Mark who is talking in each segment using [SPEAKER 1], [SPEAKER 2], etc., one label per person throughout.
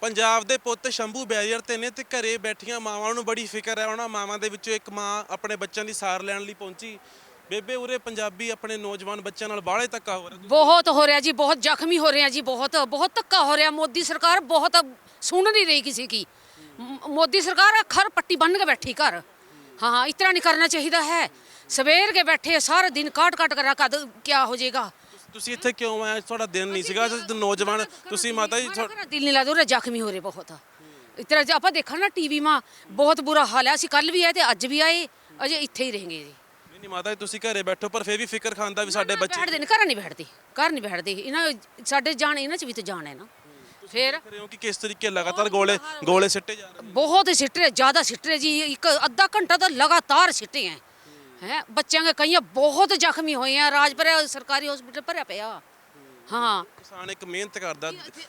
[SPEAKER 1] ਪੰਜਾਬ ਦੇ ਪੁੱਤ ਸ਼ੰਭੂ ਬੈਰੀਅਰ ਤੇ ਨੇ ਤੇ ਘਰੇ ਬੈਠੀਆਂ ਮਾਵਾਂ ਨੂੰ ਬੜੀ ਫਿਕਰ ਹੈ। ਉਹਨਾਂ ਮਾਵਾਂ ਦੇ ਵਿੱਚੋਂ ਇੱਕ ਮਾਂ ਆਪਣੇ ਬੱਚਿਆਂ ਦੀ ਸਾਰ ਲੈਣ ਲਈ ਪਹੁੰਚੀ। ਬੇਬੇ ਉਰੇ ਪੰਜਾਬੀ ਆਪਣੇ ਨੌਜਵਾਨ ਬੱਚਿਆਂ ਨਾਲ ਬਾਹਲੇ ਧੱਕਾ ਹੋ ਰਿਹਾ।
[SPEAKER 2] ਬਹੁਤ ਹੋ ਰਿਹਾ ਜੀ, ਬਹੁਤ ਜ਼ਖਮੀ ਹੋ ਰਿਹਾ ਜੀ, ਬਹੁਤ ਬਹੁਤ ਧੱਕਾ ਹੋ ਰਿਹਾ। ਮੋਦੀ ਸਰਕਾਰ ਬਹੁਤ ਸੁਣ ਨਹੀਂ ਰਹੀ ਕਿਸੇ की। मोदी सरकार खर पट्टी बन के बैठी घर। हाँ, इतना नहीं करना चाहिए है। सवेर के बैठे सारा दिन काट काट कर रखा, क्या हो जाएगा।
[SPEAKER 1] ਤੁਸੀਂ ਇੱਥੇ ਕਿਉਂ ਆਏ? ਤੁਹਾਡਾ ਦਿਨ ਨਹੀਂ ਸੀਗਾ ਨੌਜਵਾਨ ਤੁਸੀਂ ਮਾਤਾ ਜੀ
[SPEAKER 2] दिल नहीं लगता, उरे ਜ਼ਖਮੀ हो रहे बहुत। इतना आप देखा ना टीवी में बहुत बुरा हाल है। ਅਸੀਂ ਕੱਲ ਵੀ ਆਏ ਤੇ ਅੱਜ ਵੀ ਆਏ, ਅਜੇ ਇੱਥੇ ਹੀ ਰਹੇंगे ਜੀ।
[SPEAKER 1] ਨਹੀਂ ਮਾਤਾ ਜੀ ਤੁਸੀਂ ਘਰੇ ਬੈਠੋ ਪਰ ਫਿਰ ਵੀ ਫਿਕਰ ਖਾਂਦਾ ਵੀ ਸਾਡੇ ਬੱਚੇ
[SPEAKER 2] ਬੈਠਦੇ ਨੇ, ਘਰ ਨਹੀਂ ਬੈਠਦੇ ਇਹਨਾਂ ਸਾਡੇ ਜਾਨ, ਇਹਨਾਂ ਚ ਵੀ ਤਾਂ ਜਾਨ ਹੈ ਨਾ। ਫਿਰ
[SPEAKER 1] ਹੋ ਕਿ ਕਿਸ ਤਰੀਕੇ ਲਗਾਤਾਰ ਗੋਲੇ ਸਿੱਟੇ ਜਾ ਰਹੇ
[SPEAKER 2] ਬਹੁਤ ਸਿੱਟ ਰਹੇ, ਜ਼ਿਆਦਾ ਸਿੱਟ ਰਹੇ ਜੀ। ਇੱਕ ਅੱਧਾ ਘੰਟਾ ਤਾਂ ਲਗਾਤਾਰ ਸਿੱਟੇ ਹੈ। ਬੱਚਿਆਂ ਦੇ ਕਈ ਬਹੁਤ ਜ਼ਖਮੀ ਹੋਏ ਆ। ਰਾਜਪੁਰਾ ਸਰਕਾਰੀ ਹਸਪੀਟਲ ਭਰਿਆ ਪਿਆ। ਹਾਂ,
[SPEAKER 1] ਕਿਸਾਨ ਇੱਕ ਮਿਹਨਤ ਕਰਦਾ,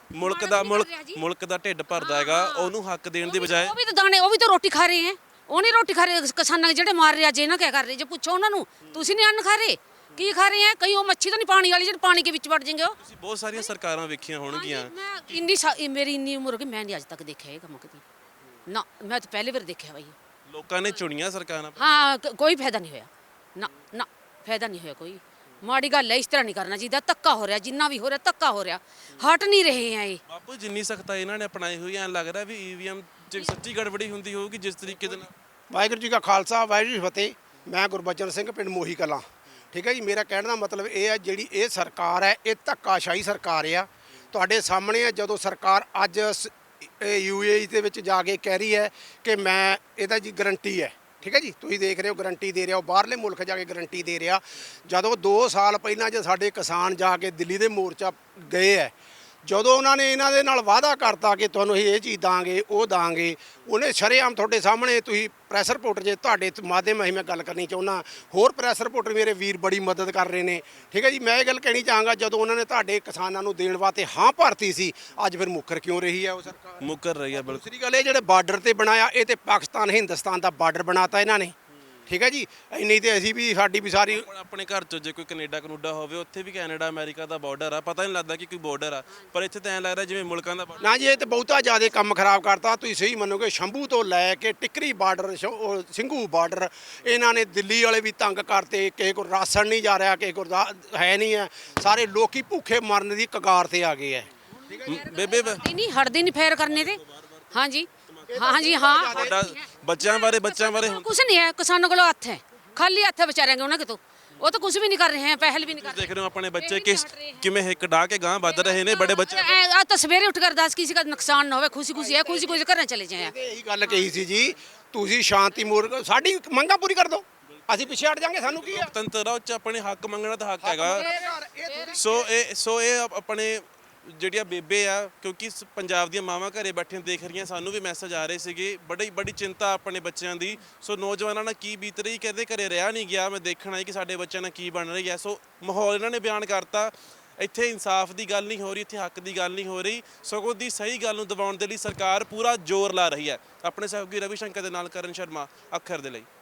[SPEAKER 1] ਮੁਲਕ ਦਾ ਢਿੱਡ ਭਰਦਾ ਹੈਗਾ, ਉਹਨੂੰ ਹੱਕ ਦੇਣ ਦੀ ਬਜਾਏ
[SPEAKER 2] ਉਹ ਵੀ ਤਾਂ ਦਾਣੇ, ਉਹ ਵੀ ਤਾਂ ਰੋਟੀ ਖਾ ਰਹੇ ਹੈ। ਉਹ ਨਹੀਂ ਰੋਟੀ ਖਾ ਰਹੇ ਕਿਸਾਨਾਂ ਜਿਹੜੇ ਮਾਰ ਰਹੇ ਅੱਜ। ਇਹਨਾਂ ਕਿਆ ਕਰ ਰਹੇ ਜੇ ਪੁੱਛੋ ਉਹਨਾਂ ਨੂੰ, ਤੁਸੀਂ ਨਹੀਂ ਅੰਨ ਖਾ ਰਹੇ, ਕੀ ਖਾ ਰਹੇ ਹੈ? ਕਈ ਉਹ ਮੱਛੀ ਤਾਂ ਨਹੀਂ ਪਾਣੀ ਵਾਲੀ ਜਿਹੜੇ ਪਾਣੀ ਦੇ ਵਿੱਚ ਵੜ ਜਾਣਗੇ। ਉਹ
[SPEAKER 1] ਤੁਸੀਂ ਬਹੁਤ ਸਾਰੀਆਂ ਸਰਕਾਰਾਂ ਵੇਖੀਆਂ ਹੋਣਗੀਆਂ।
[SPEAKER 2] ਮੇਰੀ ਇੰਨੀ ਉਮਰ ਹੋ ਗਈ, ਮੈਂ ਨਹੀਂ ਅੱਜ ਤੱਕ ਦੇਖਿਆ ਇਹ ਕੰਮ ਕਦੀ ਨਾ। ਮੈਂ ਤਾਂ ਪਹਿਲੀ ਵਾਰ ਦੇਖਿਆ ਬਾਈ।
[SPEAKER 1] ਲੋਕਾਂ ਨੇ ਚੁਣੀਆਂ ਸਰਕਾਰਾਂ।
[SPEAKER 2] ਹਾਂ, ਕੋਈ ਫਾਇਦਾ ਨਹੀਂ ਹੋਇਆ ਨਾ, ਫਾਇਦਾ ਨਹੀਂ ਹੋਇਆ ਕੋਈ। ਮਾੜੀ ਗੱਲ ਹੈ, ਇਸ ਤਰ੍ਹਾਂ ਨਹੀਂ ਕਰਨਾ ਚਾਹੀਦਾ। ਧੱਕਾ ਹੋ ਰਿਹਾ, ਜਿੰਨਾ ਵੀ ਹੋ ਰਿਹਾ ਧੱਕਾ ਹੋ ਰਿਹਾ, ਹਟ ਨਹੀਂ ਰਹੇ ਆ ਇਹ।
[SPEAKER 1] ਬਾਪੂ ਜਿੰਨੀ ਸਖਤਾਈ ਇਹਨਾਂ ਨੇ ਅਪਣਾਈ ਹੋਈ ਐ ਲੱਗ ਰਿਹਾ ਵੀ ਈਵੀਐਮ 'ਚ ਸੱਚੀ ਗੜਬੜੀ ਹੁੰਦੀ ਹੋਊਗੀ ਜਿਸ ਤਰੀਕੇ ਦੇ ਨਾਲ।
[SPEAKER 3] ਵਾਹਿਗੁਰੂ ਜੀ ਕਾ ਖਾਲਸਾ, ਵਾਹਿਗੁਰੂ ਜੀ ਕੀ ਫਤਿਹ। ਮੈਂ ਗੁਰਬਚਨ ਸਿੰਘ, ਪਿੰਡ ਮੋਹੀ ਕਲਾਂ। ਠੀਕ ਹੈ ਜੀ। ਮੇਰਾ ਕਹਿਣ ਦਾ ਮਤਲਬ ਇਹ ਹੈ, ਜਿਹੜੀ ਇਹ ਸਰਕਾਰ ਹੈ ਇਹ ਧੱਕਾਸ਼ਾਹੀ ਸਰਕਾਰ ਆ। ਤੁਹਾਡੇ ਸਾਹਮਣੇ ਹੈ, ਜਦੋਂ ਸਰਕਾਰ ਅੱਜ UAE ਦੇ ਵਿੱਚ ਜਾ ਕੇ ਕਹਿ ਰਹੀ ਹੈ ਕਿ ਮੈਂ ਇਹਦਾ ਜੀ ਗਰੰਟੀ ਹੈ। ਠੀਕ ਹੈ ਜੀ, ਤੁਸੀਂ ਦੇਖ ਰਹੇ ਹੋ ਗਰੰਟੀ ਦੇ ਰਿਹਾ, ਉਹ ਬਾਹਰਲੇ ਮੁਲਕ ਜਾ ਕੇ ਗਰੰਟੀ ਦੇ ਰਿਹਾ। ਜਦੋਂ 2 ਸਾਲ ਪਹਿਲਾਂ ਜੇ ਸਾਡੇ ਕਿਸਾਨ ਜਾ ਕੇ ਦਿੱਲੀ ਦੇ ਮੋਰਚਾ ਗਏ ਹੈ, ਜਦੋਂ ਉਹਨਾਂ ਨੇ ਇਹਨਾਂ ਦੇ ਨਾਲ ਵਾਅਦਾ ਕਰਤਾ ਕਿ ਤੁਹਾਨੂੰ ਇਹ ਚੀਜ਼ ਦਾਂਗੇ ਉਹ ਦਾਂਗੇ, ਉਹਨੇ ਸ਼ਰੇਆਮ ਤੁਹਾਡੇ ਸਾਹਮਣੇ, ਤੁਸੀਂ ਪ੍ਰੈਸ ਰਿਪੋਰਟਰ ਜੇ ਤੁਹਾਡੇ ਮਾਧਿਅਮ ਰਾਹੀਂ ਮੈਂ ਗੱਲ ਕਰਨੀ ਚਾਹੁੰਦਾ, ਹੋਰ ਪ੍ਰੈਸ ਰਿਪੋਰਟਰ ਮੇਰੇ ਵੀਰ ਬੜੀ ਮਦਦ ਕਰ ਰਹੇ ਨੇ। ਠੀਕ ਹੈ ਜੀ। ਮੈਂ ਇਹ ਗੱਲ ਕਹਿਣੀ ਚਾਹਾਂਗਾ, ਜਦੋਂ ਉਹਨਾਂ ਨੇ ਤੁਹਾਡੇ ਕਿਸਾਨਾਂ ਨੂੰ ਦੇਣ ਵਾਸਤੇ ਹਾਂ ਭਰਤੀ ਸੀ, ਅੱਜ ਫਿਰ ਮੁੱਕਰ ਕਿਉਂ ਰਹੀ ਹੈ ਉਹ ਸਰਕਾਰ?
[SPEAKER 1] ਮੁੱਕਰ ਰਹੀ ਹੈ ਬਿਲਕੁਲ।
[SPEAKER 3] ਦੂਸਰੀ ਗੱਲ, ਇਹ ਜਿਹੜੇ ਬਾਰਡਰ ਤੇ ਬਣਾਇਆ, ਇਹ ਤੇ ਪਾਕਿਸਤਾਨ ਹਿੰਦੁਸਤਾਨ ਦਾ ਬਾਰਡਰ ਬਣਾਤਾ ਇਹਨਾਂ ਨੇ। ਠੀਕ ਹੈ ਜੀ। ਇੰਨੀ ਤੇ ਅਸੀਂ ਵੀ, ਸਾਡੀ ਵੀ ਸਾਰੀ
[SPEAKER 1] ਆਪਣੇ ਘਰ 'ਚ ਜੇ ਕੋਈ ਕੈਨੇਡਾ ਹੋਵੇ, ਉੱਥੇ ਵੀ ਕੈਨੇਡਾ ਅਮਰੀਕਾ ਦਾ ਬਾਰਡਰ ਆ, ਪਤਾ ਨਹੀਂ ਲੱਗਦਾ ਕਿ ਕੋਈ ਬਾਰਡਰ ਆ, ਪਰ ਇੱਥੇ ਤਾਂ ਐਂ ਲੱਗਦਾ ਜਿਵੇਂ ਮੁਲਕਾਂ ਦਾ ਬਾਰਡਰ।
[SPEAKER 3] ਨਾ ਜੀ, ਇਹ ਤੇ ਬਹੁਤਾ ਜ਼ਿਆਦਾ ਕੰਮ ਖਰਾਬ ਕਰਤਾ। ਤੁਸੀਂ ਸਹੀ ਮੰਨੋਗੇ, ਸ਼ੰਭੂ ਤੋਂ ਲੈ ਕੇ ਟਿਕਰੀ ਬਾਰਡਰ, ਸਿੰਘੂ ਬਾਰਡਰ, ਇਹਨਾਂ ਨੇ ਦਿੱਲੀ ਵਾਲੇ ਵੀ ਤੰਗ ਕਰਤੇ। ਕਿਸੇ ਕੋਲ ਰਾਸ਼ਨ ਨਹੀਂ ਜਾ ਰਿਹਾ, ਕਿਸੇ ਕੋਲ ਹੈ ਨਹੀਂ ਹੈ। ਸਾਰੇ ਲੋਕੀ ਭੁੱਖੇ ਮਰਨ ਦੀ ਕਗਾਰ ਤੇ ਆ ਗਏ ਹੈ।
[SPEAKER 1] ਬੇਬੇ
[SPEAKER 2] ਨਹੀਂ ਹਟਦੇ ਨਹੀਂ ਫੇਰ ਕਰਨੇ ਤੇ। ਹਾਂਜੀ ਹਾਂ,
[SPEAKER 1] ਤੁਹਾਡਾ ਬੱਚਿਆਂ ਬਾਰੇ
[SPEAKER 2] ਕੁਛ ਨਹੀਂ ਹੈ। ਕਿਸਾਨਾਂ ਕੋਲ ਹੱਥ ਹੈ, ਖਾਲੀ ਹੱਥ ਹੈ ਵਿਚਾਰਿਆਂ ਉਹਨਾਂ ਕਿਤੋਂ। ਉਹ ਤਾਂ ਕੁਝ ਵੀ ਨਹੀਂ ਕਰ ਰਹੇ ਹੈ, ਪਹਿਲ ਵੀ ਨਹੀਂ ਕਰ ਰਹੇ।
[SPEAKER 1] ਦੇਖ ਰਹੇ ਹੋ ਆਪਣੇ ਬੱਚੇ ਕਿਵੇਂ ਹਿੱਕ ਢਾ ਕੇ ਗਾਂ ਵੱਧ ਰਹੇ ਨੇ। ਬੜੇ ਬੱਚੇ
[SPEAKER 2] ਆ ਤਾਂ ਸਵੇਰੇ ਉੱਠ ਕਰ ਦੱਸ ਕਿਸੇ ਦਾ ਨੁਕਸਾਨ ਨਾ ਹੋਵੇ, ਖੁਸ਼ੀ ਹੈ, ਖੁਸ਼ੀ ਘਰਾਂ ਚਲੇ ਜਾਏ।
[SPEAKER 3] ਇਹੀ ਗੱਲ ਕਹੀ ਸੀ ਜੀ, ਤੁਸੀਂ ਸ਼ਾਂਤੀ ਮੂਰਖ ਸਾਡੀ ਮੰਗਾਂ ਪੂਰੀ ਕਰ ਦਿਓ, ਅਸੀਂ ਪਿੱਛੇ ਹਟ ਜਾਾਂਗੇ। ਸਾਨੂੰ ਕੀ ਹੈ?
[SPEAKER 1] ਲੋਕਤੰਤਰ ਉੱਚ ਆਪਣੇ ਹੱਕ ਮੰਗਣਾ ਤਾਂ ਹੱਕ ਹੈਗਾ। ਸੋ ਇਹ ਆਪਣੇ ਜਿਹੜੀਆਂ ਬੇਬੇ ਆ, ਕਿਉਂਕਿ ਪੰਜਾਬ ਦੀਆਂ ਮਾਵਾਂ ਘਰੇ ਬੈਠੀਆਂ ਦੇਖ ਰਹੀਆਂ, ਸਾਨੂੰ ਵੀ ਮੈਸੇਜ ਆ ਰਹੇ ਸੀਗੇ, ਬੜੀ ਚਿੰਤਾ ਆਪਣੇ ਬੱਚਿਆਂ ਦੀ। ਸੋ ਨੌਜਵਾਨਾਂ ਨਾਲ ਕੀ ਬੀਤ ਰਹੀ, ਕਹਿੰਦੇ ਘਰੇ ਰਿਹਾ ਨਹੀਂ ਗਿਆ, ਮੈਂ ਦੇਖਣਾ ਕਿ ਸਾਡੇ ਬੱਚਿਆਂ ਨਾਲ ਕੀ ਬਣ ਰਹੀ ਹੈ। ਸੋ ਮਾਹੌਲ ਇਹਨਾਂ ਨੇ ਬਿਆਨ ਕਰਤਾ। ਇੱਥੇ ਇਨਸਾਫ ਦੀ ਗੱਲ ਨਹੀਂ ਹੋ ਰਹੀ, ਇੱਥੇ ਹੱਕ ਦੀ ਗੱਲ ਨਹੀਂ ਹੋ ਰਹੀ, ਸਗੋਂ ਦੀ ਸਹੀ ਗੱਲ ਨੂੰ ਦਬਾਉਣ ਦੇ ਲਈ ਸਰਕਾਰ ਪੂਰਾ ਜ਼ੋਰ ਲਾ ਰਹੀ ਹੈ। ਆਪਣੇ ਸਹਿਯੋਗੀ ਰਵੀ ਸ਼ੰਕਰ ਦੇ ਨਾਲ ਕਰਨ ਸ਼ਰਮਾ, ਅੱਖਰ ਦੇ ਲਈ।